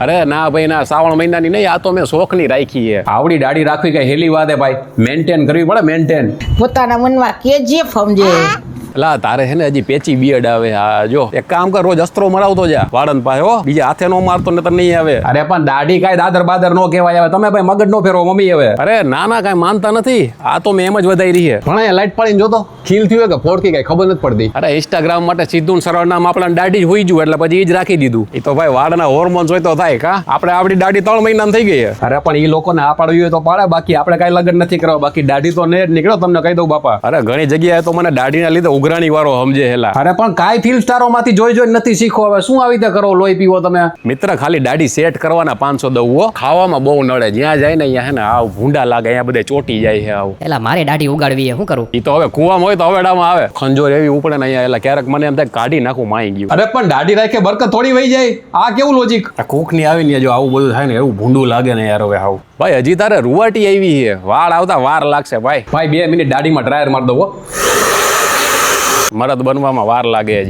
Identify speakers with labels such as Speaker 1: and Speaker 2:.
Speaker 1: અરે ના ભાઈ ના, શ્રાવણ મહિનાની નહીં, આ તો મેં શોખની રાખી છે. આવડી દાઢી રાખવી કઈ હેલી વાત હે ભાઈ, મેન્ટેન કરવી પડે, મેન્ટેન.
Speaker 2: પોતાના મનમાં કેજીએફ સમજે.
Speaker 1: લા તારે હે ને હજી પેચી બિયડ આવે. આ જો એક કામ કર, રોજ અસ્ત્રો મરાવતો જા વાળન પાસે હો, બીજા હાથે નો મારતો ને તો નહીં આવે.
Speaker 3: અરે પણ દાઢી કાંઈ દાદર બાદર નો કહેવાય. હવે તમે ભાઈ મગજ નો ફેરવો મમ્મી. હવે
Speaker 1: અરે ના ના, કાંઈ માનતા નથી, આ તો મેં એમ જ વધારી રહી છે.
Speaker 3: પણ અહીંયા લાઈટ પાડીને જોતો ખીલ થયું કે ફોડકી કઈ ખબર નથી પડતી.
Speaker 1: અરે ઇન્સ્ટાગ્રામ માટે સીધું ને સરળ નામ આપણા દાઢી જ હોઈ ગયું એટલે પછી એ જ રાખી દીધું. એ તો ભાઈ વાળના હોર્મોન્સ હોય તો થાય કા. આપણે આપણી દાઢી 3 મહિનામાં થઈ ગઈ છે.
Speaker 3: અરે પણ એ લોકોને આ પાડવી હોય તો પાડે, બાકી આપણે કાંઈ લગન નથી કરવા. બાકી દાઢી તો ને જ નીકળો, તમને કહી દઉં બાપા.
Speaker 1: અરે ઘણી જગ્યાએ તો મને દાઢીના લીધે ઉઘરાણી વાળો સમજે હેલા.
Speaker 3: અરે પણ કાંઈ ફિલ્મ સ્ટારો માંથી જોઈ જોઈ નથી શીખો. હવે શું આવી રીતે કરો, લોહી પીવો તમે.
Speaker 1: મિત્ર ખાલી દાઢી સેટ કરવાના 500 દઉં. ખાવામાં બહુ નડે, જ્યાં જાય ને અહીંયા હે ને આવ ભૂંડા લાગે, અહીંયા બધે ચોટી જાય છે આવું.
Speaker 4: એલા મારે દાઢી ઉગાડવી છે, શું કરું?
Speaker 1: એ તો હવે કુવામાં હોય તો હવેડામાં આવે. ખંજોર એવી ઉપડે ને અહીંયા, એટલે ક્યારેક મને એમ થાય કાઢી નાખું, માઈ ગયું.
Speaker 3: અરે પણ દાઢી રાખે બરકત થોડી વહી જાય. આ કેવું લોજિક?
Speaker 1: આ કોકની આવીને જો આવું બધું થાય ને એવું ભૂંડું લાગે ને યાર. હવે આવું ભાઈ હજી તારે રૂવાટી આવી છે, વાળ આવતા વાર લાગશે ભાઈ.
Speaker 3: ભાઈ 2 મિનિટ દાઢીમાં ડ્રાયર મારી દો.
Speaker 1: મરદ બનવામાં વાર લાગે હજી.